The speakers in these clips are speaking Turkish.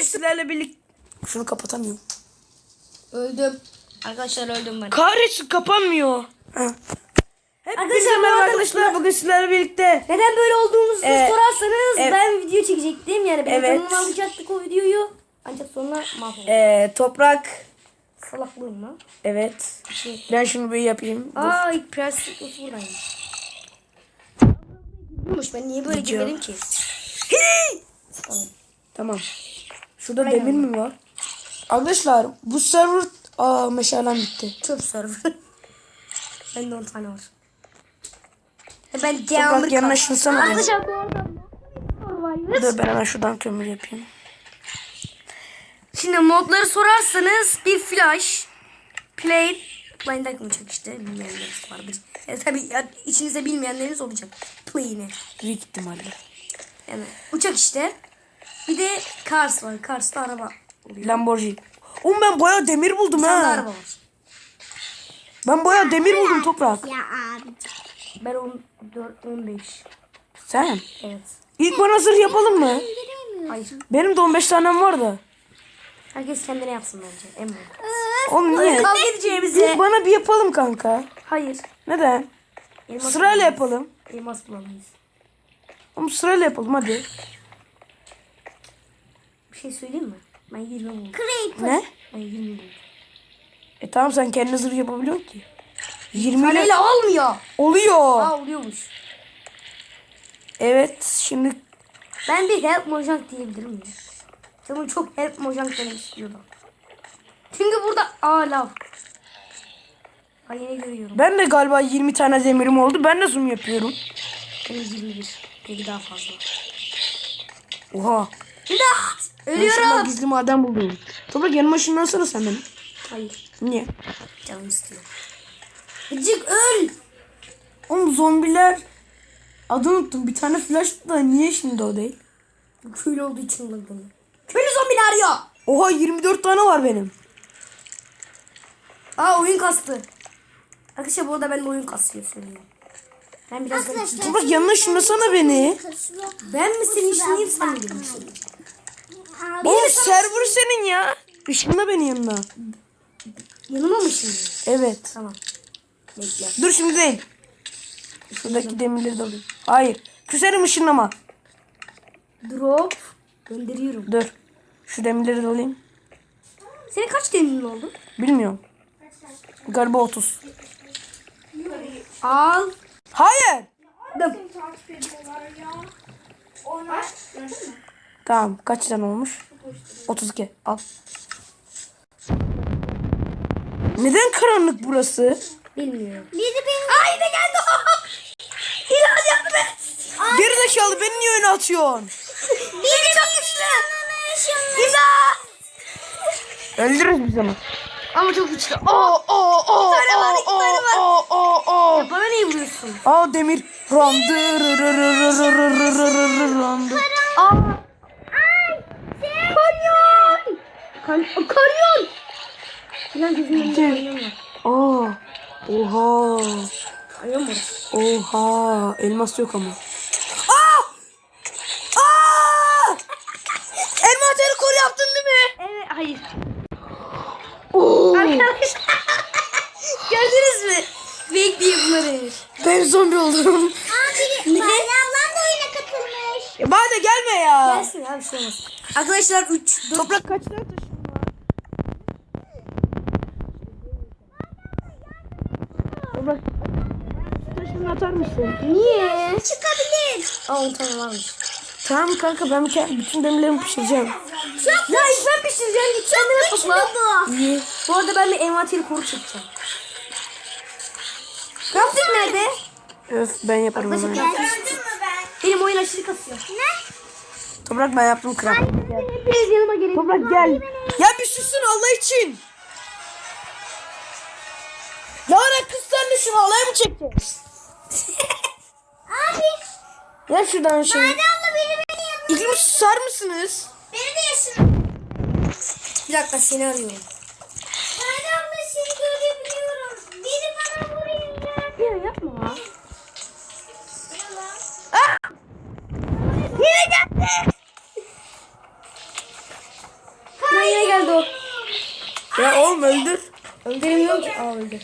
bugün sizlerle birlikte... Şunu kapatamıyorum. Öldüm. Arkadaşlar öldüm ben. Kahretsin kapanmıyor. Arkadaşlar, Arkadaşlar bugün sizlerle birlikte... Neden böyle olduğumuzu sorarsanız evet. ben video çekecektim. Yani ben Evet. alacaktık o videoyu. Ancak sonra mahvoldum. Toprak... Salaklığım mı? Evet. Ben şunu bir yapayım. Aa ilk prensip nasıl buradaymış. Girmiş, ben niye böyle Video. girmedim ki? Tamam. Tamam. Şurada Aynen. demir mi var? Arkadaşlar bu server... Aa meşalem bitti. Çöp server. Bende 10 tane var. Ben Toprak camır yanaşınsana. Arkadaşlar bu arada Dur ben hemen şuradan kömür yapayım. şimdi modları sorarsanız bir flash, play, blind olacak işte, bilmeyenleriniz vardır. Tabii içinizde bilmeyenleriniz olacak. Play'ine. Büyük ihtimalle. Yani uçak işte. Bir de Cars var. Cars'ta araba oluyor. Lamborghini. Oğlum ben bayağı demir buldum Bir tane de ha. araba var. Ben bayağı demir buldum Toprak. Ya abi. Ben 14, 15. Sen? Evet. İlk bana zırh yapalım mı? Hayır. Benim de 15 tanem var da. Herkes kendine yapsın bence. En mantıklı. Oğlum niye? Kavga edeceğimize. İlk bana bir yapalım kanka. Hayır. Neden? Elmas Sırayla bulamayız. yapalım. Elmas bulamayız. Oğlum sırayla yapalım hadi. Bir şey söyleyeyim mi? Ben 20 buldum. Ne? Ben 20 buldum. Tamam sen kendine zırh yapabiliyorsun ki. 20 ile Taneyle olmuyor. oluyor. Aa oluyormuş. Evet şimdi Ben bir help mojang diyebilir miyim? Canım çok help mojang demek istiyordu. Çünkü burada lav. Ay yine görüyorum. ben de galiba 20 tane demirim oldu. Ben de zoom yapıyorum. Benim 21. Belki daha fazla. Oha. İmdat! Ben Ölüyorum. sana gizli maden buldum. Toprak yanıma ışınlansana sen benim. Hayır. Niye? Canım istiyor. Gıcık öl. Oğlum zombiler adını unuttum. Bir tane flash da niye şimdi o değil? Köylü olduğu için öldüm. Köylü zombiler arıyor. Oha 24 tane var benim. Oyun kastı. Arkadaşlar bu arada ben de oyun kasıyor söyleyeyim. Ben biraz da... Toprak yanına ışınlasana beni. Ben mi senin işinliyim sen mi benim işinliyim? Oğlum server senin ya. Işınla beni yanına. Yanıma mı şimdi? Evet. Tamam. Bekle. Dur şimdi değil. Şuradaki demirleri de alayım. Hayır. Küserim ışınlama. Drop. Gönderiyorum. Dur. Şu demirleri de alayım. Senin kaç demirin oldu? Bilmiyorum. Galiba 30. Al. Hayır. Dım. Tamam. Kaç tane olmuş? 32. Al. Neden karanlık burası? Bilmiyorum. Biri benim. Ay ne geldi o? Hilal yardım et. Gerizekalı beni niye öne atıyorsun? Biri çok güçlü. Hilal. Öldürürüz biz onu. Ama çok güçlü. İki tane var, iki tane var. Ya bana niye vuruyorsun? Aa demir. Randı. Randı. Kanyon. Kanyon. Hilal gözümün önünde kanyon var. Aa. Oha. Kanyon var. Oha. Elmas yok ama. Aa! Aa! Envanteri kor yaptın değil mi? Evet hayır. Oo. Arkadaşlar. Gördünüz mü? Fake diye bunları. Ben zombi oldum. Abi Bade ablam da oyuna katılmış. Ya bana gelme ya. Gelsin abi şey olmaz. Arkadaşlar 3 4 Toprak kaç tane taşın var? Toprak taşını atar mısın? niye? Çıkabilir. 10 tane varmış. Tamam kanka ben bütün demirlerimi pişireceğim. Ya ilk ben pişireceğim. Git kendine topla. Bu. İyi. Bu arada ben bir envanteri koru çekeceğim. Crafting nerede? Öf ben yaparım Arkadaşlar hemen. crafting. Benim oyun aşırı kasıyor. Toprak ben yaptım kral. Hepiniz yanıma gelin. Toprak gel. Ya bir susun Allah için. Lanet kız sen de şunu alay mı çekeceğiz? Abi Ya şuradan şey. Bade abla beni yanına. İklim susar mısınız? Beni de yaşına. Bir dakika seni arıyorum. Bade abla seni görebiliyorum. Biri bana vuruyor. Ya yapma. Yine geldi. Ya oğlum öldür. Öldüremiyorum ki. Aa öldür.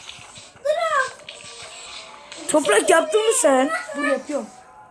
Toprak yaptın mı sen? Dur yapıyorum.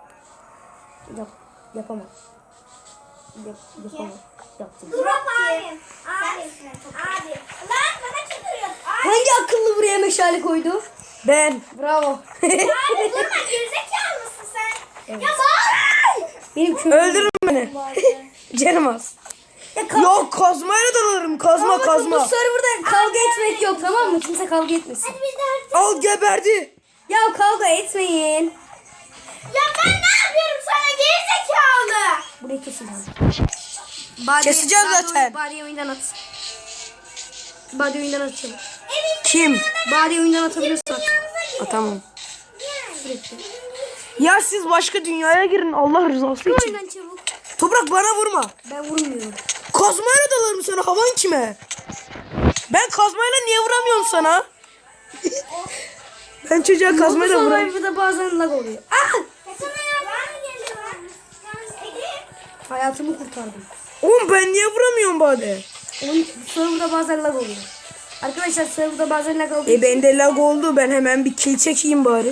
Yapamam. Yapamam. Yaptım. Drop abi. Abi. Lan bana çıkıyor. Hangi akıllı buraya meşale koydu? Ben. Bravo. Abi durma gerizekalı mısın sen? Ya bağır. Benim kömürüm. Öldürün beni. Canım az. Yok kazmayla dalarım. Kazma Bu kazma. serverda kavga etmek yok, tamam mı? Kimse kavga etmesin. Biz de artık. Al geberdi. Ya kavga etmeyin. Ya ben ne yapıyorum sana gerizekalı? Burayı keseceğim. Keseceğim zaten. Bari oyundan at. Bari oyundan atacağım. Kim? Bari oyundan atabiliyorsun at. Tamam. Sürekli. Ya siz başka dünyaya girin Allah rızası için. Oyundan çabuk. Toprak bana vurma. Ben vurmuyorum. Kazmayla dalarım sana. Havan kime? Ben kazmayla niye vuramıyorum sana? Ben çocuğa kazmayla vuramıyorum. Survivor'da bazen lag oluyor. Ah! Sana ya ben mi geliyorum? Ege. Hayatımı kurtardım. Oğlum ben niye vuramıyorum bari? Onun serverda bazen lag oluyor. Arkadaşlar serverda bazen lag oluyor. Bende lag oldu. Ben hemen bir kill çekeyim bari.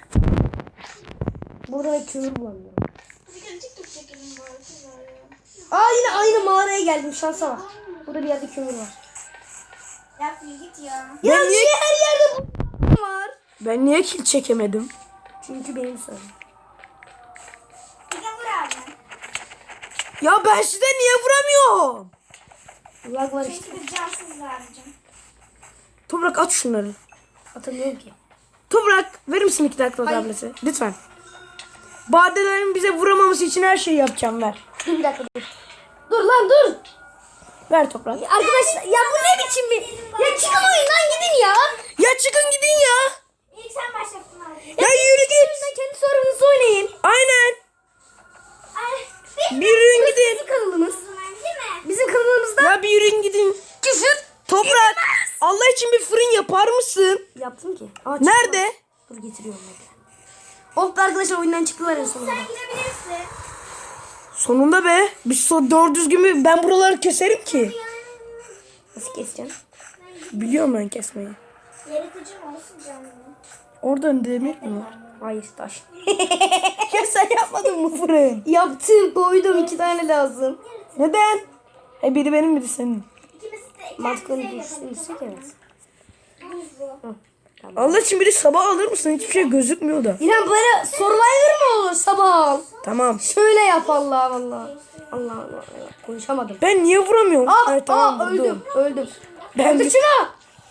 Burada da kömür bulamıyorum. Bir kere TikTok çekelim bu arada ya. Aa yine aynı mağaraya geldim, şansa bak. Burada bir yerde kömür var. Ya git ya. Ya Ben niye niye- her yerde bu var? Ben niye kill çekemedim? Çünkü benim server. Bir de vur abi. Ya ben size niye vuramıyorum? Lag var işte. Çünkü biz cansız abicim. Toprak at şunları. Atamıyorum ki. Toprak verir misin 2 dakika Hayır. tableti? Lütfen. Badelerin bize vuramaması için her şeyi yapacağım ver. Dur bir dakika dur. Dur lan dur. Ver toprak. Arkadaşlar ya bu ne biçim bir... Ya çıkın oyundan gidin ya. Ya çıkın gidin ya. İlk sen başlattın abi. Ya yürü git. Oyundan kendi sorumunuzu oynayın. Aynen. Ay, Bir yürüyün gidin. Bizim kanalımız. o zaman değil mi? Bizim kanalımızda Ya bir yürüyün gidin. küfür Toprak. Allah için bir fırın yapar mısın? yaptım ki. Ama Nerede? Dur getiriyorum ben. Oh be arkadaşlar oyundan çıktılar en sonunda. Sen girebilirsin. Sonunda be. Biz doğru düzgün mü? Ben buraları keserim ki. Nasıl keseceğim? Biliyorum ben kesmeyi. Yaratıcı mı olsun canım? Oradan demir mi var? Hayır taş. Ya sen yapmadın mı fırın? Yaptım, koydum, 2 tane lazım. Neden? Biri benim biri senin. İkimiz de Mantıklı düşünürsek evet. buzlu. Allah için biri sabah alır mısın? Hiçbir şey gözükmüyor da. İrem böyle Survivor mu olur sabah? Tamam. Şöyle yap Allah Allah. Allah Allah. Konuşamadım. Ben niye vuramıyorum? Ah, Evet, tamam, öldüm. vurdum. Öldüm. Ben Öldür şunu.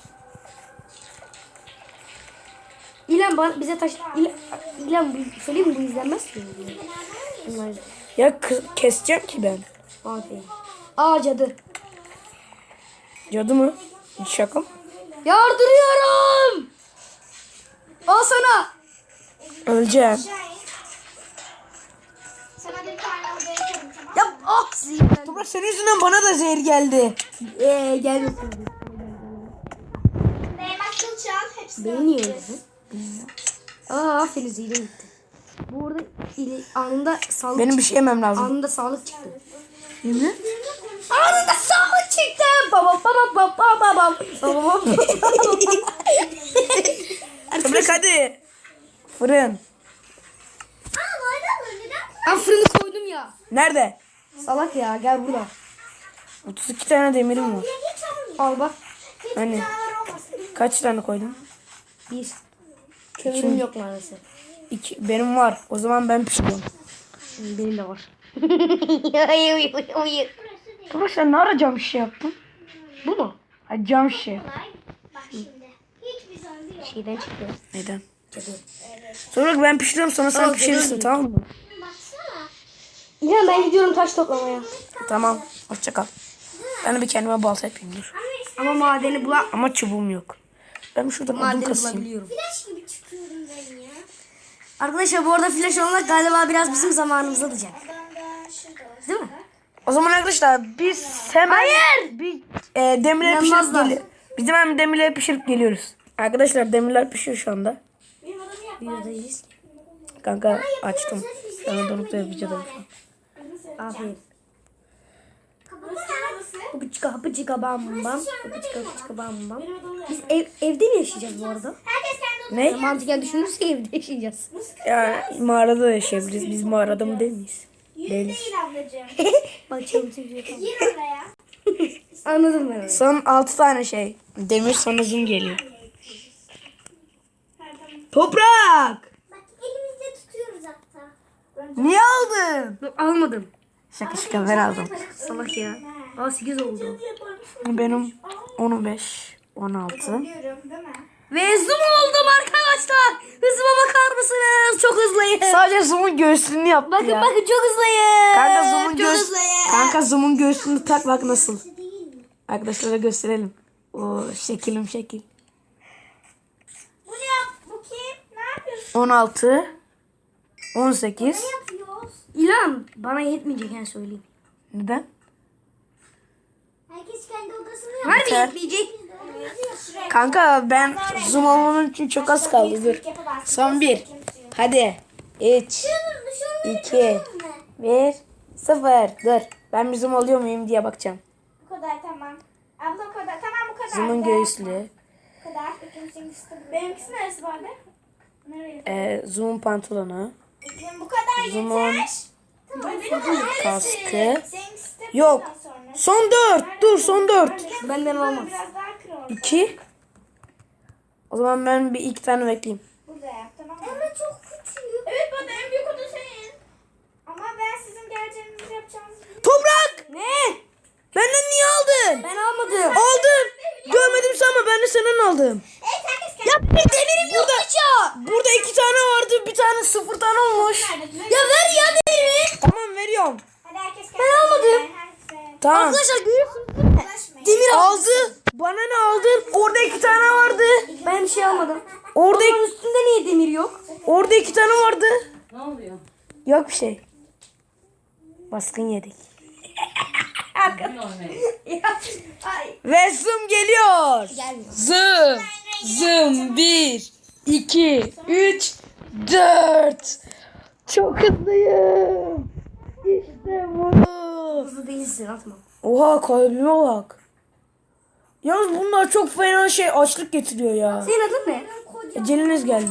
İlhan bana bize taş... İlhan söyleyeyim mi, bu izlenmez ki. Bunlar Ya keseceğim ki ben. aferin. Aa cadı. Cadı mı? Hiç şaka mı? Yardırıyorum. Al sana. Öleceğim. Şahin. Sana bir tane odaya yaparım tamam mı? Yap aksi. Toprak senin yüzünden bana da zehir geldi. Gelmesin. Değmez kılıç al. Hepsini Beni niye öldüreceğiz. öldürdün? Aa aferin zile gitti. Bu arada anında sağlık Benim bir çıktı. şey yemem lazım. Anında sağlık çıktı. Ne? Anında sağlık çıktı. Baba baba baba baba. Baba Toprak hadi. Fırın. Aa böyle mi? Neden? Ben fırını koydum ya. Nerede? Salak ya gel burada. 32 tane demirim var. Ya geç olmuyor. Al bak. Hiç Hani? canavar olmasın. Kaç tane koydun? 1. Kömürüm yok maalesef. 2. Benim var. O zaman ben pişiriyorum. Benim de var. Toprak sen ne ara cam şişe yaptın? Bu mu? Ha, cam şişe. Kolay. Bak şimdi. Hiçbir zombi yok. Şeyden çıktı. Neden? Cadı. Sonra ben pişiriyorum sonra sen Tamam, pişirirsin geliyorum. tamam mı? Baksana. İlhan ben gidiyorum taş toplamaya. Tamam. Hoşça kal. Ben de bir kendime balta yapayım dur. Ama madeni bulan Ama çubuğum yok. Ben şuradan odun madeni kasayım. bulabiliyorum. Flash gibi çıkıyorum ben ya. Arkadaşlar bu arada flash olmak galiba biraz bizim zamanımızı alacak. Adam da şurada. Değil mi? O zaman arkadaşlar biz hemen bir demirleri pişirip İnanmazlar. geliyoruz. Biz hemen demirleri pişirip geliyoruz. Arkadaşlar demirler pişiyor şu anda. Benim adamı yap. Videodayız. Kanka açtım. Şu anda donukta videodayım şu an. Aferin. Kapatsana. Hopıçka hopıçka bam bam. Hopıçka hopıçka bam bam. Biz evde mi yaşayacağız bu arada? Herkes kendi odasına. Ne? Mantıken düşünürsek evde yaşayacağız. Ya mağarada da yaşayabiliriz. Biz mağarada mı değil miyiz? Değiliz. Değil ablacığım. Bak çabuk. Gir oraya. Anladım ben onu. Son 6 tane şey. Demir sonra zoom geliyor. Toprak! Bak elimizde tutuyoruz hatta. Niye aldın? Almadım. Şaka ben aldım. Salak ya. Aa 8 oldu. Benim 15, 16. Biliyorum değil mi? Ve zoom oldum arkadaşlar. Hızıma bakar mısınız? Çok hızlıyım. Sadece zoom'un göğsünü yaptı Bakın ya. bakın çok hızlıyım. Kanka zoom'un çok göğsünü. hızlıyım. Kanka zoom'un göğsünü tak bak nasıl. Değil mi? Arkadaşlara gösterelim. O şekilim şekil. Bu ne yap? Bu kim? Ne yapıyorsun? 16, 18. Ne yapıyoruz? İlan bana yetmeyecek yani söyleyeyim. Neden? Herkes kendi odasını Harbi Yeter. yetmeyecek. yapıyor. Kanka ben zoom olmam için çok az kaldı. Dur. Son 1. Hadi. 3, 2, 1, 0. Dur. Ben bir zoom oluyor muyum diye bakacağım. Bu kadar tamam. Abla o kadar. Tamam bu kadar. Zoom'un Daha göğüslü. yapma. Bu kadar. Benimkisi neresi vardı? Nereye? Zoom'un pantolonu. Bu kadar Zoom'un yeter. Tamam. Benim kaskı. Seninkisi de Yok. bundan sonra. Son 4. Dur son 4. Benden olmaz. Biraz daha kır orada. 2. O zaman ben bir 2 tane bekleyeyim. Burada yap tamam mı? Ama çok küçük. Evet bana en büyük oda senin. Ama ben sizin geleceğinizi yapacağınızı biliyorum. Toprak! Ne? Benden niye aldın? Ben almadım. Aldım. Görmedim sanma ben de senden aldım. Evet herkes kendi. Ya bir demirim yok burada 2 tane vardı bir tane 0 tane olmuş. Ya ver ya demirimi. Tamam Veriyorum. Hadi herkes kendi. Ben almadım. Tamam. Arkadaşlar görüyorsunuz. Ulaşmayın. Demir Aldı. Bana ne aldın? Orada 2 tane vardı. Ben bir şey almadım. Orada Onun üstünde niye demir yok? orada 2 tane vardı. Ne oluyor? Yok bir şey. Baskın yedik. Ne oluyor? Ay. Ve zoom geliyor. Gelmiyor. Zoom. Zoom 1, 2, 3, 4. Çok hızlıyım. İşte bu. Hızlı değilsin atma. Oha kalbime bak. Yalnız bunlar çok fena şey açlık getiriyor ya. Senin adın ne? Eceliniz geldi.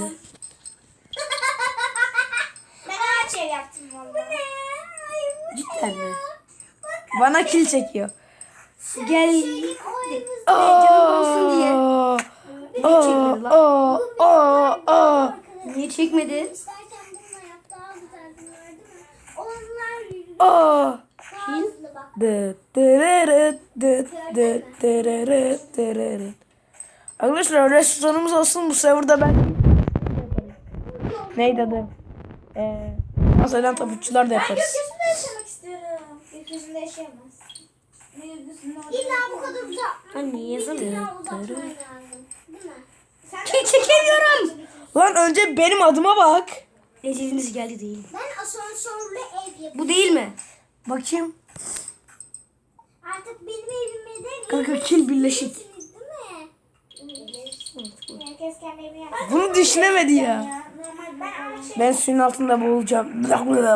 Ben ağaç ev yaptım valla. Bu ne? Cidden mi? Bana kil çekiyor. Gel. Aa, Canım olsun diye. aa, çekmedi lan? aa, aa, aa. Niye çekmedi? İstersen bununla yap daha güzel var değil mi? Onlar yürüyor. Aa. Daha hızlı bak. Dı dırırıt, dı dı dırırıt, dırırıt. Arkadaşlar restoranımız olsun bu serverda ben. Neydi adı? Masadan taputçular da yaparız. Gökyüzünde yaşamak istiyorum. Gökyüzünde yaşayamaz. İlla bu kadar uzak. Anne yazamıyor. İlla uzatman lazım. Değil mi? Sen Ki çekemiyorum. Lan önce benim adıma bak. Eceliniz geldi değil. Ben asansörlü ev yapıyorum. Bu değil mi? Bakayım. Artık benim evime de Kanka kil birleşik. gelirsiniz, değil mi? Herkes kendi evini yapsın. Bunu düşünemedi ya. Normal ben ağaç ev Ben suyun altında boğulacağım. en büyük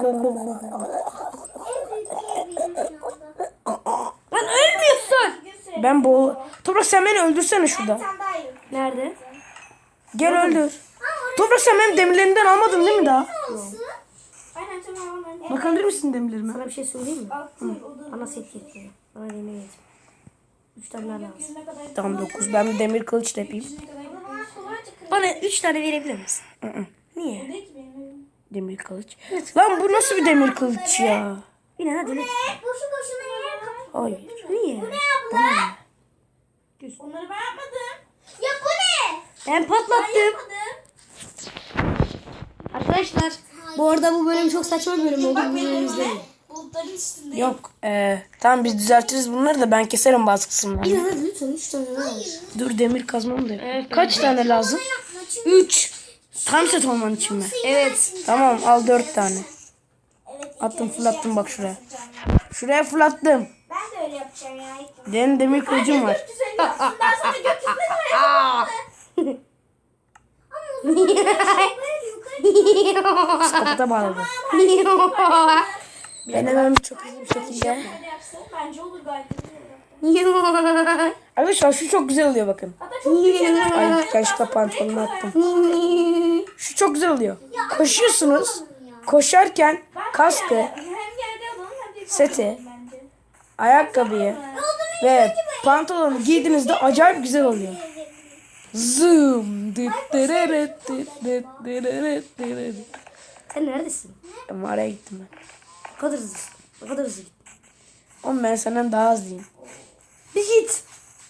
evim şu anda. Lan ölmüyorsun. Bir süre Ben boğul... Toprak sen beni öldürsene şurada. sen daha iyi. Nerede? Gel öldür. Toprak sen benim demirlerimden almadın değil mi daha? Olsun. Aynen tamam onların. Bakabilir misin demirlerime? Sana bir şey söyleyeyim mi? Altın Bana set getir. Bana demir getir. 3 tane lazım. ne kadar Tamam 9. Ben bir demir kılıç da yapayım. kolayca kırılır. Bana 3 tane verebilir misin? Niye? Değil ki benim evim. Demir kılıç. Lan bu nasıl bir demir kılıç ya? Yine hadi lütfen. Boşu boşuna yer kapı. Hayır. Niye? Bu ne abla? Onları ben yapmadım. Ya bu ne? Ben patlattım. Yapmadım. Arkadaşlar bu arada bu bölüm çok saçma bir bölüm oldu. Bu bölümü izleyin. Bulutların üstünde. Yok. Tamam biz düzeltiriz bunları da ben keserim bazı kısımlarını. Yine hadi lütfen 3 tane var. Dur demir kazmam da yapayım. Kaç tane lazım? Yapma çünkü. 3. Tam set olman için mi? Evet. Tamam al 4 tane. Evet, ilk Attım önce fırlattım bak şuraya. yapacağım ya. Şuraya fırlattım. Ben de öyle yapacağım ya. ilk. Benim demir kılıcım var. Gökyüzünde yapsın. Ben sana gökyüzünde yapayım. Ama uzun böyle yukarı. Kapıda bağladım. Ben hemen çok hızlı bir şekilde. Hadi yapsın. Bence olur gayet. Arkadaşlar şu çok güzel oluyor bakın. Hatta çok güzel. Ay yanlışlıkla pantolonu attım. Şu çok güzel oluyor. Koşuyorsunuz. Koşarken kaskı, Hem yerde alalım hem de seti, bence. ayakkabıyı ve pantolonu giydiğinizde acayip güzel oluyor. Zoom. Sen neredesin? Mağaraya gittim ben. O kadar hızlısın. O kadar hızlı git. Oğlum ben senden daha hızlıyım. Bir git.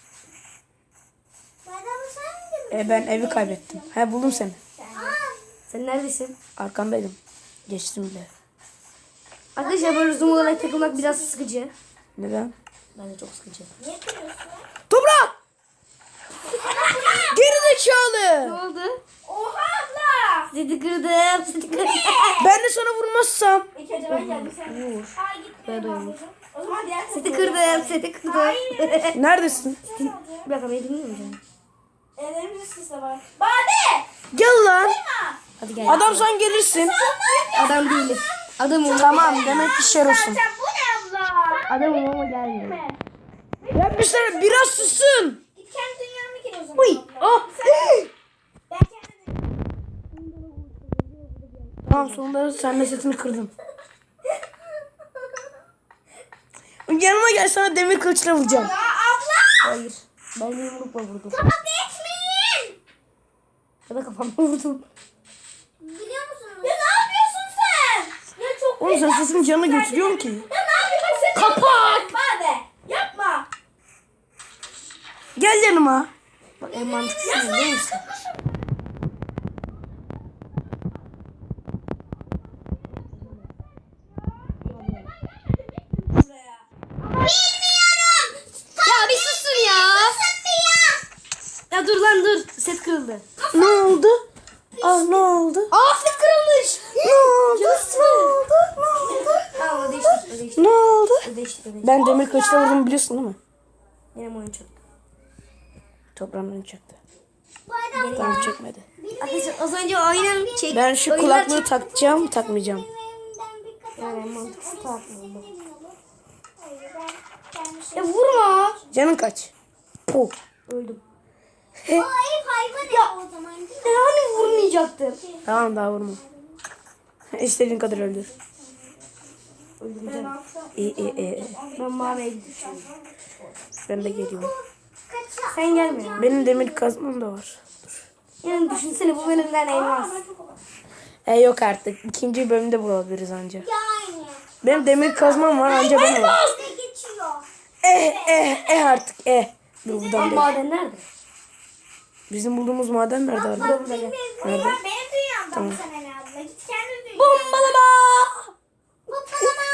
Ben evi kaybettim. He buldum seni. Sen neredesin? Arkandaydım. Geçtim bile. Arkadaşlar böyle zoom olarak takılmak biraz sıkıcı. Neden? Bence çok sıkıcı. Toprak! Geri Ne zekalı! oldu? Oha abla. Seni kırdım. Seni kırdım. Ben de sana vurmazsam. İlk önce ben geldim sen. Vur. Ay gitme ablacığım. O zaman diğer Seni kırdım. Seni kırdım. Neredesin? Bir dakika beni dinliyor musun? Ellerimiz üst üste var. Bade. Gel lan. Hadi gel. Adam sen gelirsin. Adam değilim. Adamım. Tamam demek ki şer olsun. Sen bu ne abla? Adamım ama gelmiyor. Ya bir sene biraz susun. Git kendi dünyanı gir o zaman. Uy. abla. Oh. Ben kendi Tamam sonunda sen de setini kırdım. Yanıma gel sana demir kılıçla vuracağım. Aa abla. Hayır. Ben de yumrukla vurdum. Kapat etmeyin. Ya da kafamla vurdum. Biliyor musunuz? Ya ne yapıyorsun sen? Ya çok Oğlum sen sesin canını götürüyorsun ki. Ya ne yapıyorsun sen? Kapat. Bade. Yapma. Gel yanıma. Bak en mantıklısı ne biliyor musun? Ya bir susun ya. Ya dur lan dur. Set kırıldı. Ne oldu? Ne oldu? Aa set kırılmış. Ne oldu? Ne oldu? Tamam o değiştik. O değiştik. Ne oldu? O değiştik. O değiştik. Ben demir kılıçla vurdum biliyorsun değil mi? Benim oyun çok. Toprağım beni çaktı. Tamam çekmedi. Arkadaşlar az önce oyunum çek. Ben şu oyunlar kulaklığı takacağım takmayacağım. Yani en mantıklısı takmıyorum bu. Ya vurma. Canın kaç? Puh. Öldüm. O ev hayvan o zaman. Ya hani vurmayacaktım. Tamam daha vurma. İstediğin kadar öldür. Öldüreceğim. İyi. Ben maviye gidiyorum. Ben de geliyorum. Sen gelme. Benim demir kazmam da var. Yani düşünsene bu bölümden elmas. Yok artık. İkinci bölümde bulabiliriz anca. Yani. Benim demir kazmam var anca ben var. Ne geçiyor? Artık. Dur buradan Lan değil. maden nerede? Bizim bulduğumuz maden nerede abi? Burada burada gel. Nerede? Benim dünyamda bu sene ne abla? Git kendi dünyana. Bombalama. Hoppalama.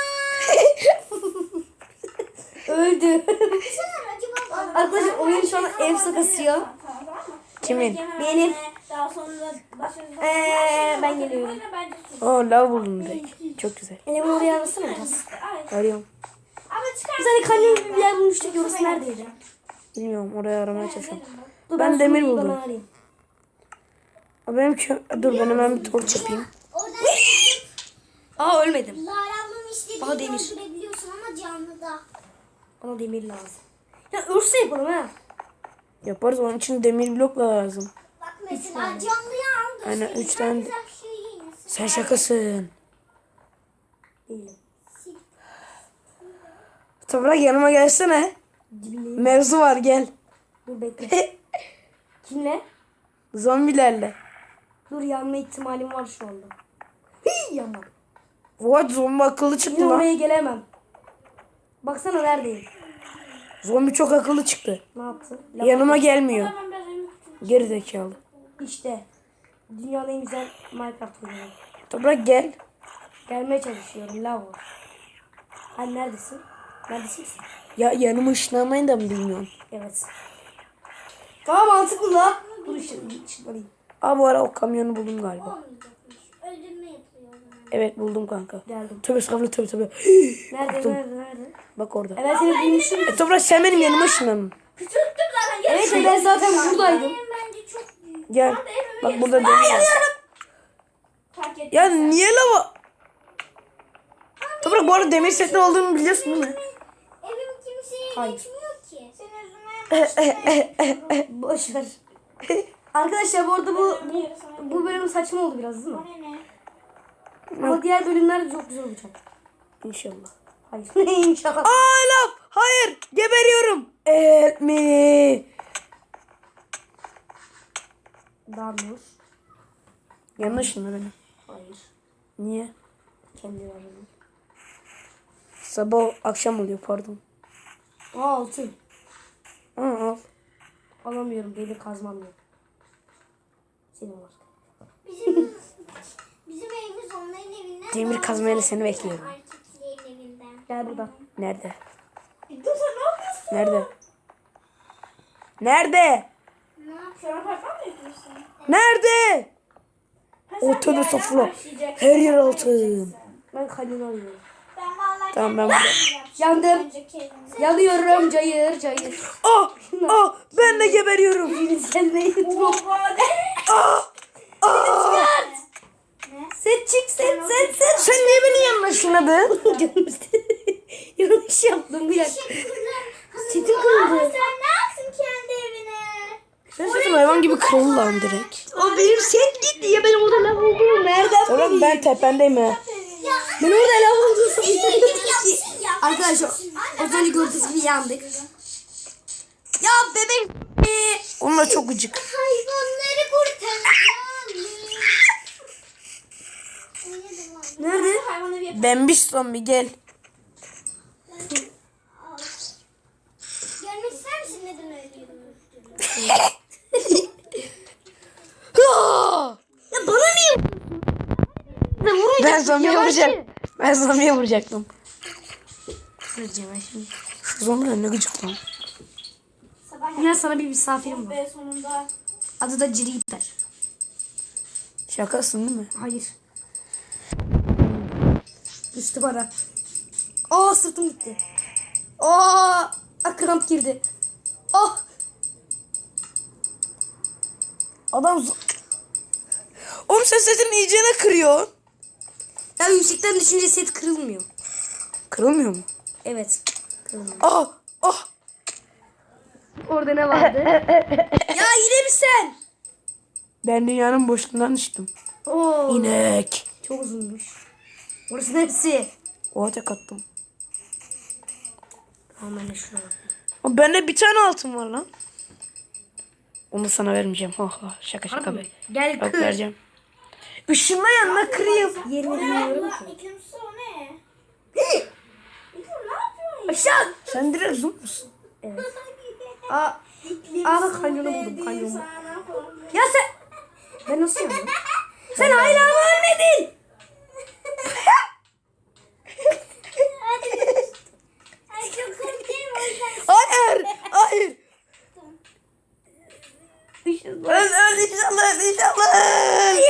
Öldü. Sen acaba Arkadaşlar oyun şu an efsa kasıyor. Kimin? Benim. Daha sonra başarılı. Ben geliyorum. Lav buldum direkt. Çok güzel. Elimi oraya arasana biraz. Arıyorum. Ama çıkar. Biz hani kanyon gibi bir yer bulmuştuk. Orası neredeydi? Bilmiyorum oraya aramaya çalışıyorum. Dur, Ben demir sonra buldum. bana arayayım. Dur ben hemen bir torç yapayım. Orada Aa ölmedim. Lara ablam istediğini Bana demir. öldürebiliyorsun ama canlıda. Bana demir lazım. Ya örse yapalım ha. Yaparız onun için demir blok lazım. Bak mesela canlıyı aldı. Aynen 3 tane. Güzel şey yiyin. Sen şakasın. Değilim. Toprak yanıma gelsene. Dibindeyim. Mevzu var gel. Dur bekle. Kimle? Zombilerle. Dur yanma ihtimalim var şu anda. Hii yanma. What zombi akıllı Yine çıktı lan. oraya gelemem. Baksana neredeyim. Zombi çok akıllı çıktı. Ne yaptı? Yanıma gelmiyor. Geri zekalı. İşte. Dünyanın en güzel Minecraft oyunu. Toprak gel. Gelmeye çalışıyorum. Lav var. Hani neredesin? Neredesin sen? Ya yanıma ışınlanmayı da mı bilmiyorsun? Evet. Tamam mantıklı la. Dur işte ışınlanayım. Bu ara o kamyonu buldum galiba. Öldürme yapıyor o zaman. Evet buldum kanka. Geldim. Tövbe estağfurullah tövbe. Nerede? Bak orada. Evet seni bulmuşum. Toprak sen benim yanıma ışınlanın. Küçülttüm zaten. Evet ben zaten buradaydım. Benim bence çok büyük. Gel. Bak burada demir var. Fark et. Ya niye lava? Toprak bu arada demir setli olduğunu biliyorsun değil mi? Evim kimseye Hayır. geçmiyor ki. Senin yüzünden Boş ver. Arkadaşlar bu arada bu bölüm saçma oldu biraz değil mi? o ne? Ama diğer bölümler de çok güzel olacak. İnşallah. Hayır. İnşallah. Aa lav! Hayır! Geberiyorum! Help me! Damlur. Yanlış mı benim? Hayır. Niye? Kendi aradım. Sabah akşam oluyor pardon. Altın. Al. Alamıyorum. Demir kazmam yok. Senin var. Bizim evimiz onların evinden. Demir daha kazmayla güzel. seni bekliyorum. Erkeklerin evinden. Gel burada. Nerede? Dur sen ne yapıyorsun? Nerede? Nerede? Ne yapıyorsun? Şu an parfüm mı yapıyorsun? Nerede? Ortada sofra. Her yer altın. Ben kalemi alıyorum. Ben vallahi Tamam, ben kendim burada. yapacağım. Yandım. Önceki evimde. Yanıyorum cayır cayır. Ah! Ah! Ben de geberiyorum. Sen neyi tutma? Set çık set. Sen niye beni yanlışladın? Yanlış yaptım bir dakika. Setim Aa, kırıldı. sen ne yaptın kendi evine? Sen sesim hayvan gibi kırıldı lan direkt. O benim set gitti ya ben orada lav olduğumu nereden Tamam ben tependeyim ha. Ben orada lav olduğumu Yapsın ya. Arkadaşlar az önce gördüğünüz gibi yandık. Ya bebek. Onlar çok gıcık. Hayvanları kurtaracağım. Nerede? Hayvanları yap. Bembiş zombi gel. Görmek ister misin neden ölüyorum? Ya bana niye? Ben zombiye vuracağım. Ben zombiye vuracaktım. Vuracağım ben şimdi. Şu zombiler ne gıcık lan. Sabah Ya sana bir misafirim var. ve sonunda. Adı da Ciriter. Şakasın değil mi? Hayır. Düştü bana. Aa sırtım gitti. Aa kramp girdi. Ah Adam Oğlum sen sesini iyicene kırıyor. ya yüksekten düşünce set kırılmıyor. Kırılmıyor mu? Evet. Kırılmıyor. Ah! Ah! Orada ne vardı? Ya yine mi sen? Ben dünyanın boşluğundan düştüm. Oo. İnek. Çok uzunmuş. Orası hepsi. Oha tek attım. Tamam ben de şuna bak. Ama bende bir tane altın var lan. Onu sana vermeyeceğim. Ha ha şaka şaka be. Gel Bak kır. vereceğim. Işınla yanına kırayım. Yerini bilmiyorum ki. İkincisi o ne? İklim ne yapıyorsun? Aşağı. Sen direkt zoom musun? Aa bak kanyonu buldum kanyonu. Ya sen. Ben nasıl yaptım? Sen hala mı ölmedin? Ay çok korkuyorum o yüzden. Hayır! Hayır! Öl inşallah inşallah.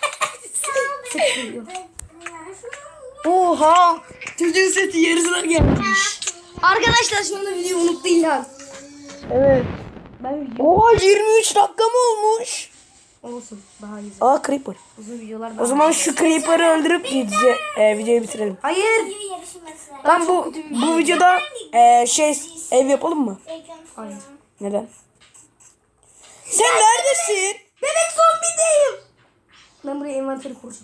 Oha! Çocuğun seti yarısına gelmiş. Arkadaşlar şu anda videoyu unuttu İlhan. Evet. Ben video Oha 23 dakika mı olmuş? olsun daha iyi. Aa Creeper. Uzun videolar O daha. zaman şu Creeper'ı öldürüp videoyu bitirelim. Hayır. Video yarışması. Lan bu videoda ev yapalım mı? Hayır. Neden? Sen neredesin? Bebek zombideyim. Ben buraya envanteri kuracağım.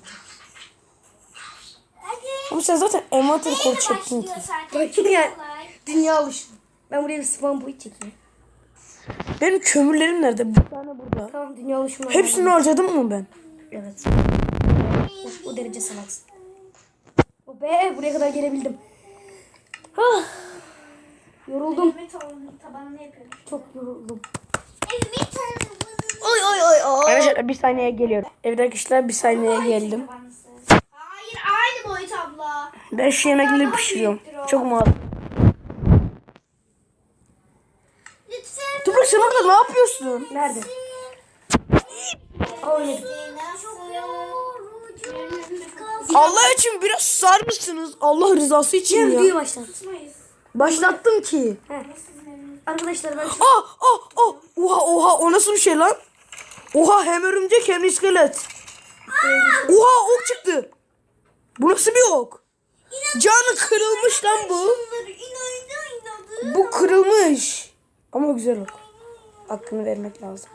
Ama sen zaten envanter kol çektin ki. Bakın ya. Dünya alışın. Ben buraya bir spawn point çekeyim. Benim kömürlerim nerede? Bir tane burada. Tamam dünya alışımı. Hepsini harcadım mı ben? Evet. O derece salaksın. O be buraya kadar gelebildim. Ah. Yoruldum. Evimin tabanını yapıyorum. Çok yoruldum. Evimin tabanını. Oy oy oy oy. Arkadaşlar bir saniye geliyorum. Evet arkadaşlar bir saniye geldim. Hayır aynı boyut abla. Ben şu yemekleri pişiriyorum. Çok mal. Lütfen. Toprak sen orada ne yapıyorsun? Nerede? Oynadım. Allah için biraz susar mısınız? Allah rızası için Şimdi videoyu ya. başlat. Başlattım ki. Arkadaşlar ben Ah ah ah. Oha oha o nasıl bir şey lan? Oha hem örümcek hem iskelet. Oha ok çıktı. Bu nasıl bir ok? Canı kırılmış lan bu. Bu kırılmış. Ama güzel ok. Hakkını vermek lazım.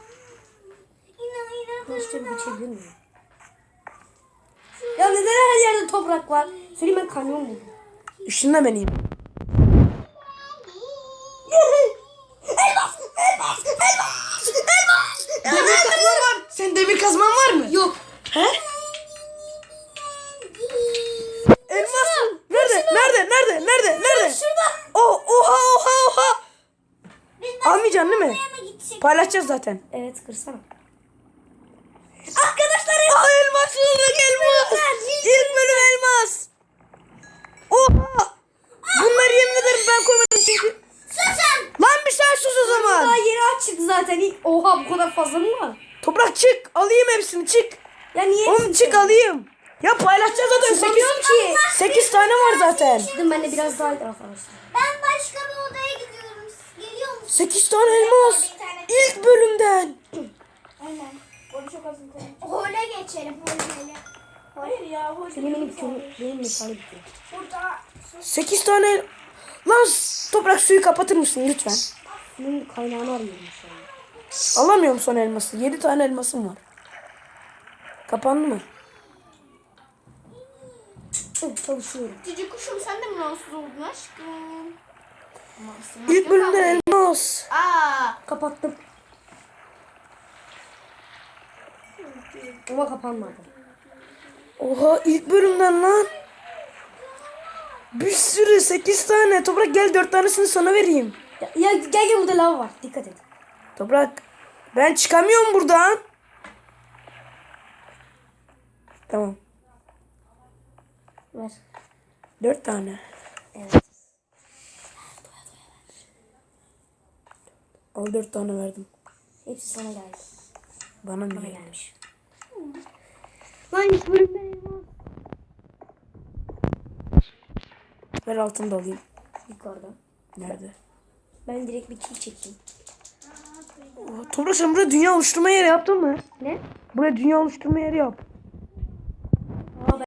İşte bir geçebilir miyim? Ya neden her yerde toprak var? Söyleyeyim, ben kanyon buldum. Işınla beni. Demir kazman var. Sen demir kazman var mı? Yok. He? Elmas mı? Nerede? Nerede? Şurada. Oha. Biz Almayacaksın değil mi? başka mı gidecek? Paylaşacağız zaten. Evet, kırsana. Arkadaşlar elmas bulduk elmas. İlk bölüm elmas. Oha. Bunları yemin ederim ben koymadım çünkü. Susun. Lan bir sen sus o zaman. Daha yeri açık zaten. Oha, bu kadar fazla mı var? Toprak çık. Alayım hepsini çık. Ya niye? Oğlum çık alayım. Ya paylaşacağız zaten. Çıkamıyorum ki. 8 tane var zaten. Dedim ben de biraz daha arkadaşlar. Ben başka bir odaya gidiyorum. Geliyor musun? 8 tane elmas. İlk bölümden. Aynen. Onu çok az hole geçelim. Hole. Hayır ya. Hole. Senin benim mesalı bitiyor. Burada. 8 tane. Lan toprak suyu kapatır mısın lütfen? Bunun kaynağını arıyorum şu an. Alamıyorum son elması. 7 tane elmasım var. Kapandı mı? Evet, çalışıyorum. Cici kuşum sen de mi rahatsız oldun aşkım? İlk bölümden elmas. Kapattım. Ama kapanmadı. Oha ilk bölümden lan. Bir sürü 8 tane. Toprak gel 4 tanesini sana vereyim. Ya gel burada lav var. Dikkat et. Toprak ben çıkamıyorum buradan. Tamam. Ver. 4 tane. Evet. Al 4 tane verdim. Hepsi sana geldi. Bana ne Bana geldi? gelmiş. Lan ilk bölümde elmas. Ver altını da alayım. Yukarıda. Nerede? Ben direkt bir kill çektim. Oha, Toprak sen buraya dünya oluşturma yeri yaptın mı? Ne? Buraya dünya oluşturma yeri yap.